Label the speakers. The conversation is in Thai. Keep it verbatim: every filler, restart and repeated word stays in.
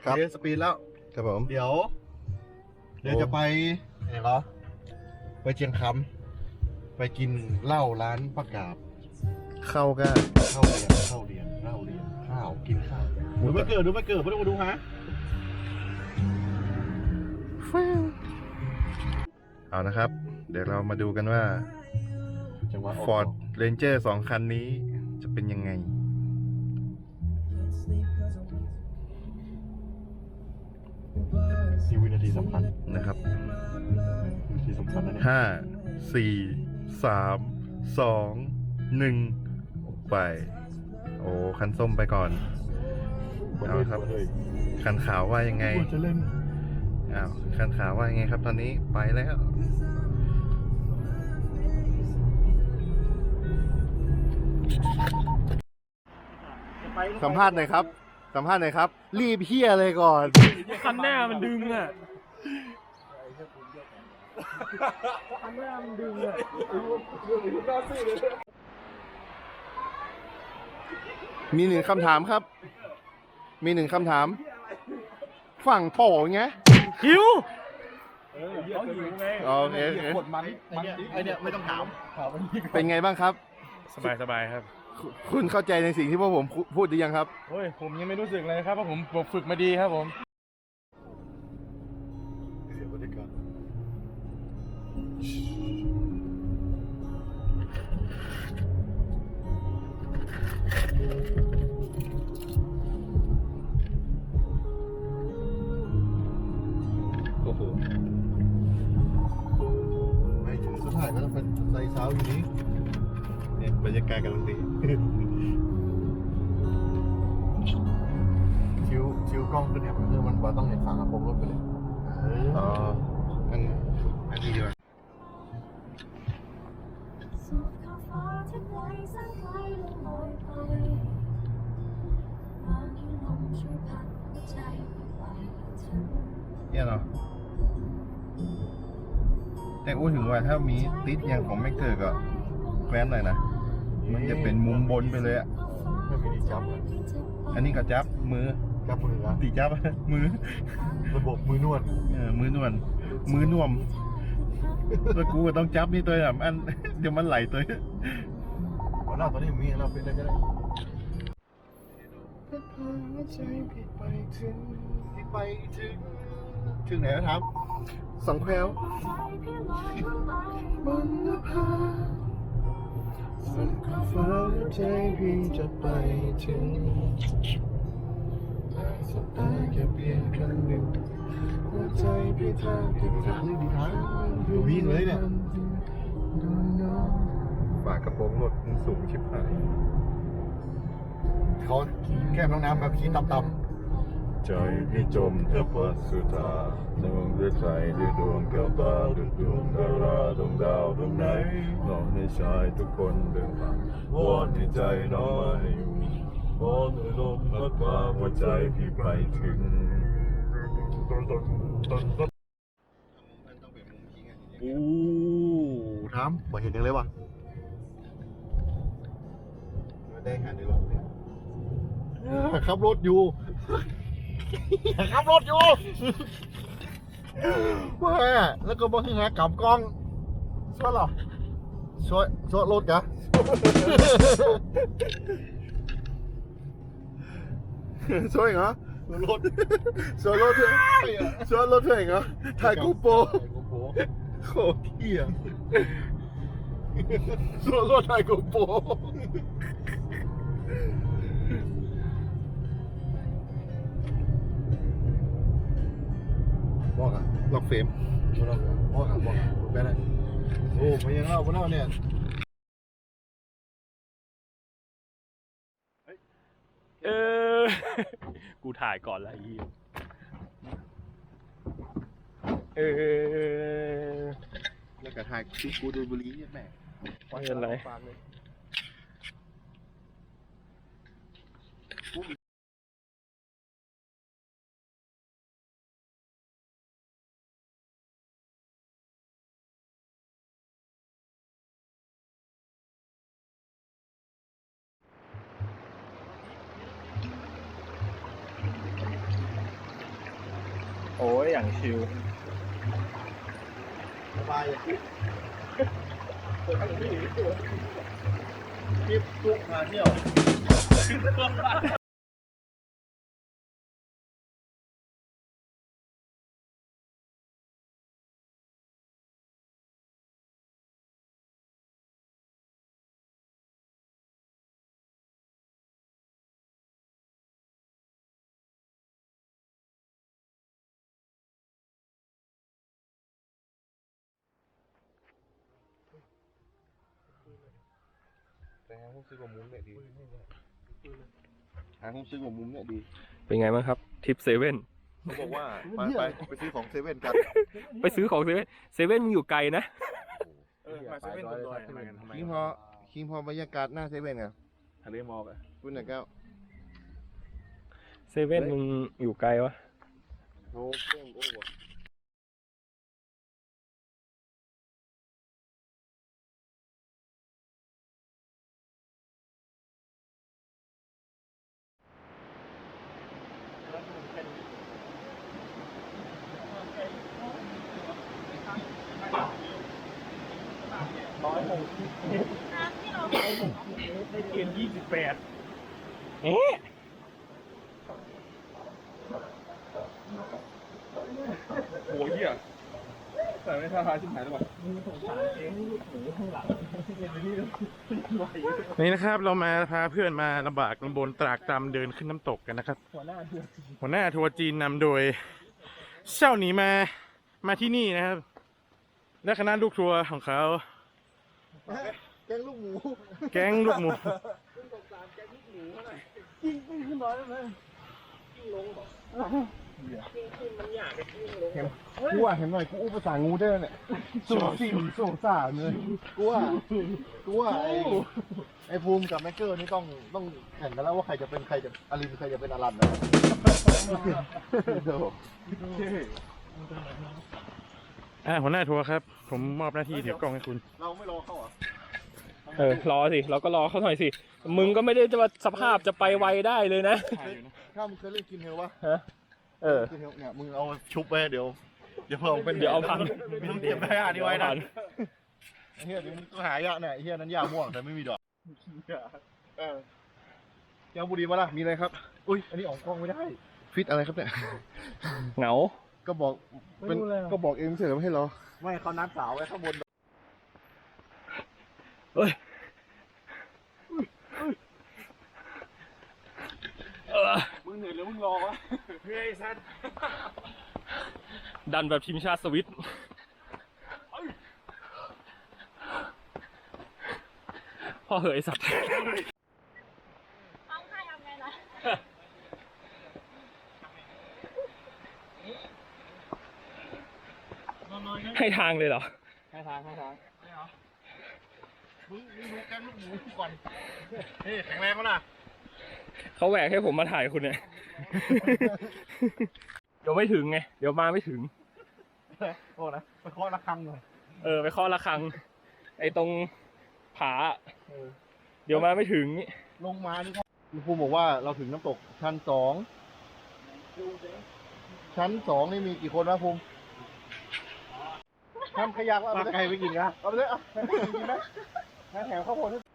Speaker 1: ครับสปีดแล้วครับผมเดี๋ยวเดี๋ยวจะไปไหนเหรอไปเชียงคำไปกินเหล้าร้านประกาศเข้าก็เข้าเรียนเข้าเรียนเข้าเรียนข้าวกินข้าวดูไม่เกิดดูไม่เกิดไม่ต้องมาดูฮะเอานะครับเดี๋ยวเรามาดูกันว่า Ford Ranger สองคันนี้จะเป็นยังไงนี่วินาทีสำคัญนะครับวินาทีสำคัญนะเนี่ยห้าสี่สามสองหนึ่งไปโอ้คันส้มไปก่อนเอาครับคันขาวว่ายังไงอ้าวคันขาวว่ายังไงครับตอนนี้ไปแล้วสัมภาษณ์หน่อยครับสัมภาษณ์หน่อยครับรีบเฮียเลยก่อน
Speaker 2: คันหน้ามันดึงอ่ะคันหน้ามันดึงอ่ะ
Speaker 1: มีหนึ่งคำถามครับมีหนึ่งคำถามฝั่งโป่งไง
Speaker 2: หิวเขาหิวไง
Speaker 1: โอเคโอเคมันไอเนี้ยไม่ต้องถามเป็นไงบ้างครับ
Speaker 2: สบายสบายครับ
Speaker 1: คุณเข้าใจในสิ่งที่พวกผมพูดหรือยังครับ
Speaker 2: โอ้ยผมยังไม่รู้สึกเลยครับเพราะผมฝึกมาดีครับผมเสียบรรยากาศ
Speaker 1: โอ้โหไม่ถึงสุดท้ายก็ต้องเป็นใส่เท้าอยู่นี้เนี่ยบรรยากาศกำลังดีชิวชิวกล้องขึ้นเนี่ยคือมันว่าต้องเห็นฝากระโปรงรถไปเลยอ๋ออันอันนี้ดีกว่าเนี่ยเนาะแต่อู้ถึงว่าถ้ามีติดอย่างของไม่เกิดก็แคว้นหน่อยนะมันจะเป็นมุมบนไปเลยอ่ะไม่มีจับอันนี้ก็จับมือจับมือครับตีจับมือระบบมือนวดเออมือนวดมือนวมแล้วกูก็ต้องจับนี่ตัวแบบอันเดี๋ยวมันไหลตัวอ๋อหน้าตัวนี้มีเราเป็นอะไรก็ได้ไปถึงไปถึงถึงไหนครับสองแควบนนภาสุดขอบฟ้าใจพี่จะไปถึงแต่สุดท้ายแค่เพียงครั้งหนึ่งหัวใจพี่ทางที่ทางดีทางวิ่งเลยเนี่ยฝากระโปรงรถมันสูงชิบหายเขาแก้มน้องน้ำแบบขี้ต่ำๆใจพี่จมเธอปัสสุธาดวงด้วยใจด้วยดวงแก้วตาด้วยดวงดาราดวงดาวดวงไหนน้องในชายทุกคนเดินทางวอนให้ใจน้อยวอนให้ลมพัดพาหัวใจพี่ไปถึงโอ้ทำบ่เห็นยังเลยวะได้หันในรถเนี่ยขับรถอยู่ขับรถอยู่ว่าแล้วก็บอกให้หากลับกล้องช่วยหรอช่วยช่วยรถกะช่วยเหรอรถช่วยรถเถอะช่วยรถเถอะเหรอถ่ายกูโปโคตรเหี้ยช่วยรถถ่ายกูโปบอกอ่ะล็อกเฟรมบอกอ่ะบอกอ่ะไปไหนโอ้ไม่ยังเล่าไม่เล่าเนี่ย
Speaker 2: เออกูถ่ายก่อนละอีเออ
Speaker 1: แล้วก็ถ่ายคลิปกูดูบุรีเนี่ยแม่
Speaker 2: ไม่เป็นไรโอ้ยอย่างชิล
Speaker 1: สบายอย่างนี้คลิปทุกมาเที่ยวแต่หาห้องซื้อกับมุ้งเนี่ยดีหาห้องซื้อกับมุ้งเนี่ยดี
Speaker 2: เป็นไงบ้างครับทริปเซเว่น
Speaker 1: เขาบอกว่าไปไปไปซื้อของเซเว่นกัน
Speaker 2: ไปซื้อของเซเว่นเซเว่นมึงอยู่ไกลนะ
Speaker 1: เออมาเซเว่นบนดอยมากันทำไมคิงพอคิงพอบรรยากาศหน้าเซเว่นไง
Speaker 2: ทะเลหมอกอะ
Speaker 1: คุณน่ะแก้ว
Speaker 2: เซเว่นมึงอยู่ไกลวะ
Speaker 1: โอ้เพิ่มโอ้โห
Speaker 2: ได้เกณฑ์ยี่สิบแปดเอ๊ะโหเหี้ยแต่ไม่ท่าทางชิบหายหรือเปล่านี่นะครับเรามาพาเพื่อนมาลำบากลำบนตรากตรำเดินขึ้นน้ำตกกันนะครับหัวหน้าทัวร์จีนหัวหน้าทัวร์จีนนำโดยเช่าหนีมามาที่นี่นะครับและคณะลูกทัวร์ของเขา
Speaker 1: แกงลูกหมู
Speaker 2: แก๊งลูกหมู
Speaker 1: กิ้งกิ้งขึ้นน้อยได้ไหมกิ้งลงหรอกูว่าเห็นหน่อยกูอู้ภาษางูได้เนี่ยสูสิมสูสาเลยกูว่ากูว่าไอ้ไอ้ภูมิกับแม็กเกอร์นี่ต้องต้องแข่งกันแล้วว่าใครจะเป็นใครจะอลินใครจะเป็นอลันนะเดี๋ยว
Speaker 2: อ่าหัวหน้าทัวร์ครับผมมอบหน้าที่ถือกล้องให้คุณ
Speaker 1: เราไม่รอเขาเหรอ
Speaker 2: เออรอสิเราก็รอเขาหน่อยสิมึงก็ไม่ได้จะมาสภาพจะไปไวได้เลยนะ
Speaker 1: ถ้ามึงเคยเล่นกินเฮลวะ
Speaker 2: ฮะเออ
Speaker 1: กินเฮลเนี่ยมึงเอาชุบไปเดี๋ยวเดี๋ยวเพิ่มเป็น
Speaker 2: เดี๋ยวเอาพัน
Speaker 1: มึงเก็บได้อ่ะนี่ไว้นะเฮียเดี๋ยวมึงก็หายะเนี่ยเฮียนั้นยาม่วงแต่ไม่มีดอกเออเจ้าบุรีมาล่ะมีอะไรครับอุ้ยอันนี้ออกกล้องไม่ได้ฟิตอะไรครับเนี่ย
Speaker 2: เหงา
Speaker 1: ก็บอกเป็นก็บอกเองเสร็จแล้วไม่ให้รอไม่เขานัดสาวไว้ข้างบน
Speaker 2: เอ้ยมึงเหนื่อยหรือมึงรอวะเฮ้ยสัตว์ดันแบบทีมชาติสวิตพ่อเหยสัตว์
Speaker 3: ต้องให้ทำไงนะ
Speaker 2: ให้ทางเลยเหรอ
Speaker 1: ให้ทางให้ทางไม่เหรอมึงมึงดูแกงลูกหมูก่อนเฮ้ยแข็งแรงมั้ยล่ะ
Speaker 2: เขาแหวกให้ผมมาถ่ายคุณเนี่ย เดี๋ยวไม่ถึงไง เดี๋ยวมาไม่ถึง
Speaker 1: โอ้นะไปเคาะระฆังหน่อย
Speaker 2: เออไปเคาะระฆัง ไอ้ตรงผา เดี๋ยวมาไม่ถึง
Speaker 1: ลงมานี่ครับคุณภูมิบอกว่าเราถึงน้ำตกชั้นสองชั้นสองนี่มีกี่คนนะภูมิทำขยักว่าไก่ไปกินกันเอาไปเลยอ่ะกินไหมแถมข้าวโพด